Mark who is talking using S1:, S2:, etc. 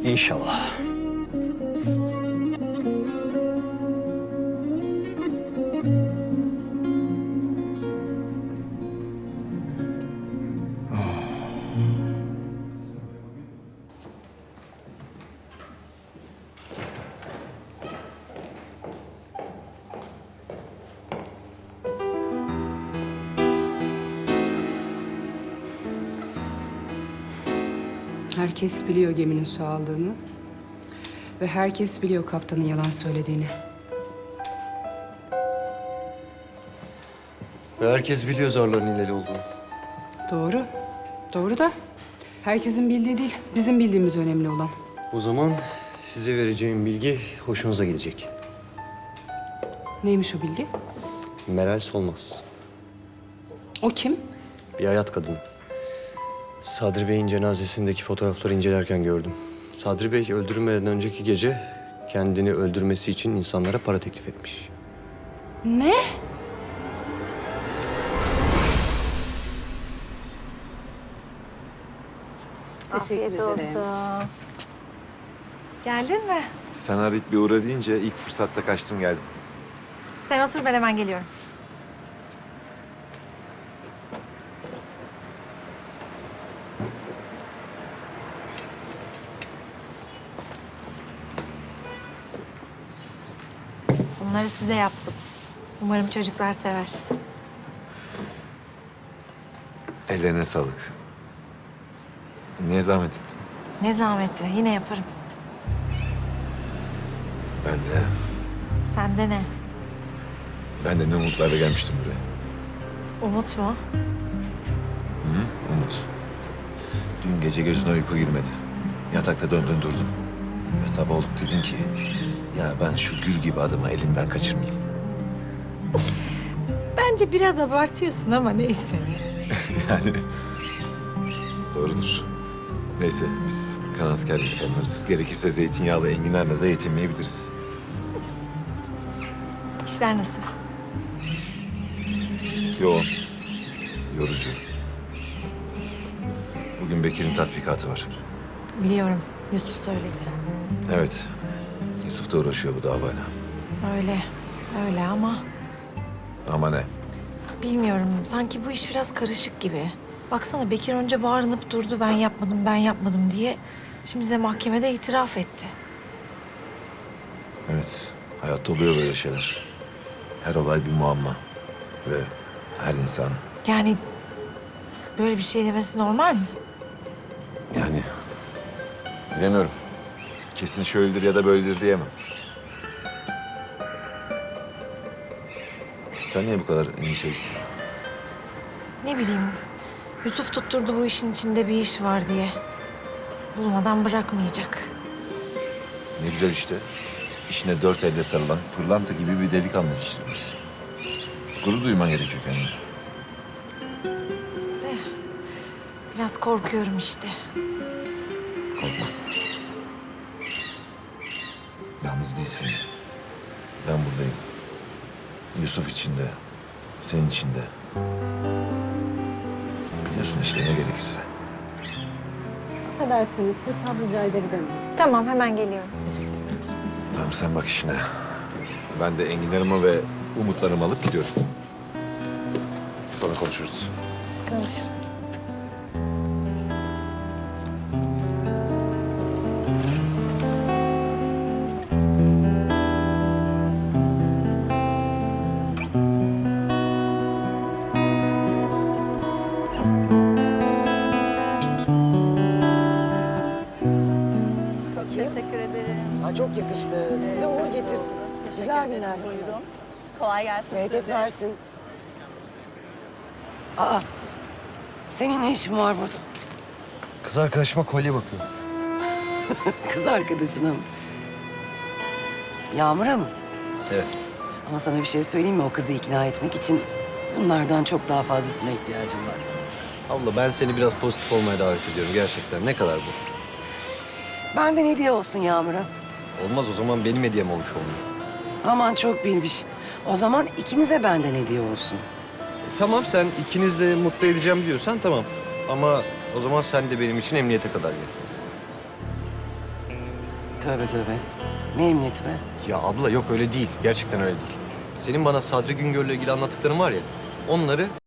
S1: İnşallah.
S2: Herkes biliyor geminin su aldığını. Ve herkes biliyor kaptanın yalan söylediğini.
S3: Ve herkes biliyor zarların hileli olduğunu.
S2: Doğru. Doğru da herkesin bildiği değil, bizim bildiğimiz önemli olan.
S3: O zaman size vereceğim bilgi hoşunuza gidecek.
S2: Neymiş o bilgi?
S3: Meral Solmaz.
S2: O kim?
S3: Bir hayat kadını. Sadri Bey'in cenazesindeki fotoğrafları incelerken gördüm. Sadri Bey öldürülmeden önceki gece kendini öldürmesi için insanlara para teklif etmiş.
S2: Ne?
S4: Afiyet olsun. Geldin mi?
S5: Sen arayıp bir uğra deyince ilk fırsatta kaçtım geldim.
S4: Sen otur, ben hemen geliyorum. Bunları size yaptım. Umarım çocuklar sever.
S5: Ellerine sağlık. Niye zahmet ettin?
S4: Ne zahmeti, yine yaparım.
S5: Ben de.
S4: Sende ne?
S5: Ben de ne umutlarla gelmiştim buraya.
S4: Umut mu?
S5: Umut. Dün gece gözüne uyku girmedi. Yatakta döndün durdun. Ve sabah olup dedin ki... ...ya ben şu gül gibi adamı elimden kaçırmayayım.
S4: Bence biraz abartıyorsun ama neyse.
S5: Yani... Doğrudur. Neyse biz kanaatkar insanlarız. Gerekirse zeytinyağlı enginarla da yetinmeyebiliriz.
S4: İşler nasıl?
S5: Yoğun. Yorucu. Bugün Bekir'in tatbikatı var.
S4: Biliyorum, Yusuf söyledi.
S5: Evet. Yusuf da uğraşıyor bu davayla.
S4: Öyle, öyle ama...
S5: Ama ne?
S4: Bilmiyorum, sanki bu iş biraz karışık gibi. Baksana Bekir önce bağırınıp durdu, ben yapmadım, ben yapmadım diye. Şimdi de mahkemede itiraf etti.
S5: Evet. Hayatta oluyor böyle şeyler. Her olay bir muamma. Ve her insan
S4: Yani böyle bir şey demesi normal mi?
S5: yani... Bilemiyorum. Kesin şöyledir ya da böyledir diyemem. Sen niye bu kadar endişelisin?
S4: Ne bileyim, Yusuf tutturdu bu işin içinde bir iş var diye. Bulmadan bırakmayacak.
S5: Ne güzel işte. İşine dört elle sarılan pırlanta gibi bir delikanlı yetiştirmişsin. Gurur duyman gerekiyor kendine.
S4: Biraz korkuyorum işte.
S5: Korkma. Yalnız değilsin. Ben buradayım. Yusuf için de, senin için de. Biliyorsun işte ne gerekirse.
S6: Affedersiniz, hesap rica edebilirim.
S4: Tamam, hemen geliyorum.
S5: Tamam sen bak işine. Ben de enginlerimi ve umutlarımı alıp gidiyorum. Sonra konuşuruz.
S4: Konuşuruz.
S7: Teşekkür ederim.
S8: Aa, çok yakıştı. Size uğur getirsin.
S7: Teşekkür
S8: Güzel
S7: ederim.
S8: günler.
S7: Buyurun. Kolay gelsin
S8: Bereket
S7: size.
S8: versin. Aa, senin ne işin var burada?
S3: Kız arkadaşıma kolye bakıyor.
S8: Kız arkadaşına mı? Yağmur'a mı?
S3: Evet.
S8: Ama sana bir şey söyleyeyim mi? O kızı ikna etmek için bunlardan çok daha fazlasına ihtiyacın var.
S3: Abla ben seni biraz pozitif olmaya davet ediyorum gerçekten. Ne kadar bu?
S8: Benden hediye olsun Yağmur'a.
S3: Olmaz o zaman benim hediyem olmuş olmuyor.
S8: Aman çok bilmiş. O zaman ikinize benden hediye olsun.
S3: Tamam sen ikiniz de mutlu edeceğim diyorsan tamam. Ama o zaman sen de benim için emniyete kadar gel.
S8: Tövbe tövbe. Ne emniyeti be?
S3: Ya abla yok öyle değil. Gerçekten öyle değil. Senin bana Sadri Güngör'le ilgili anlattıkların var ya, onları